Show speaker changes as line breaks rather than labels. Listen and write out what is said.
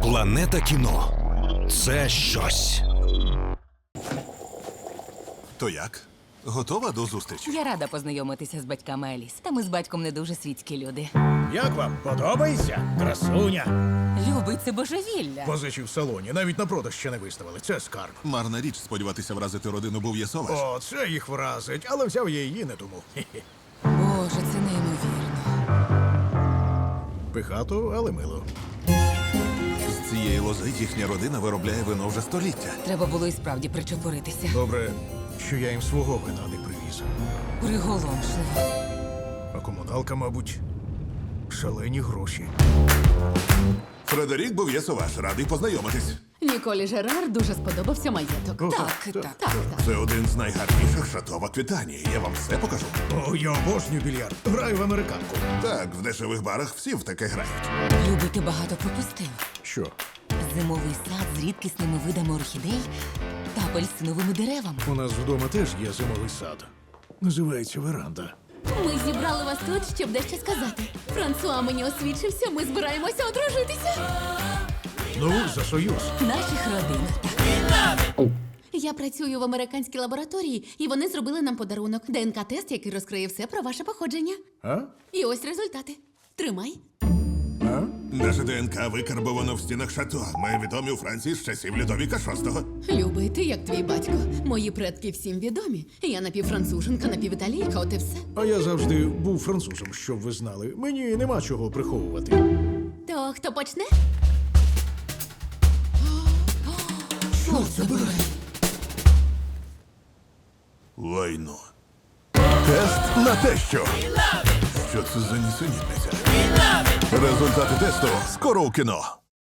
Планета кіно це щось.
То як? Готова до зустрічі?
Я рада познайомитися з батьками Еліс. Та ми з батьком не дуже світські люди.
Як вам? Подобається? Красуня.
Любить це божевілля.
Позичі в салоні, навіть на продаж ще не виставили. Це скарб.
Марна річ сподіватися вразити родину Бов'єсоваш.
О, це їх вразить, але взяв я її не тому. Хе-хе.
Боже, це неймовірно.
Пихато, але мило.
З цієї лози їхня родина виробляє вино вже століття.
Треба було і справді причепуритися.
Добре, що я їм свого вина не привіз.
Приголомшливо.
А комуналка, мабуть, шалені гроші.
Фредерік Бов'єсоваш, радий познайомитись.
Ніколі Жерар дуже сподобався маєток.
О,
Так.
Це один з найгарніших шато в Аквітанії. Я вам все покажу.
О, я обожнюю більярд. Граю в американку.
Так, в дешевих барах всі в таке грають.
Любий, ти багато пропустив.
Що?
Зимовий сад з рідкісними видами орхідей та апельсиновими деревами.
У нас вдома теж є зимовий сад. Називається веранда.
Ми зібрали вас тут, щоб дещо сказати. Франсуа мені освідчився, ми збираємося одружитися.
Ну, за союз.
Наших родин. Так.
Я працюю в американській лабораторії, і вони зробили нам подарунок. ДНК-тест, який розкриє все про ваше походження.
А?
І ось результати. Тримай.
А?
Наше ДНК викарбовано в стінах шато. Ми відомі у Франції з часів Людовіка VI.
Любий, ти як твій батько. Мої предки всім відомі. Я напівфранцуженка, напівіталійка, от і все.
А я завжди був французом, щоб ви знали. Мені нема чого приховувати.
То хто почне?
Що це було?
Лайно. Тест на те, що. Що це за нісенітниця? Результати тесту скоро у кіно.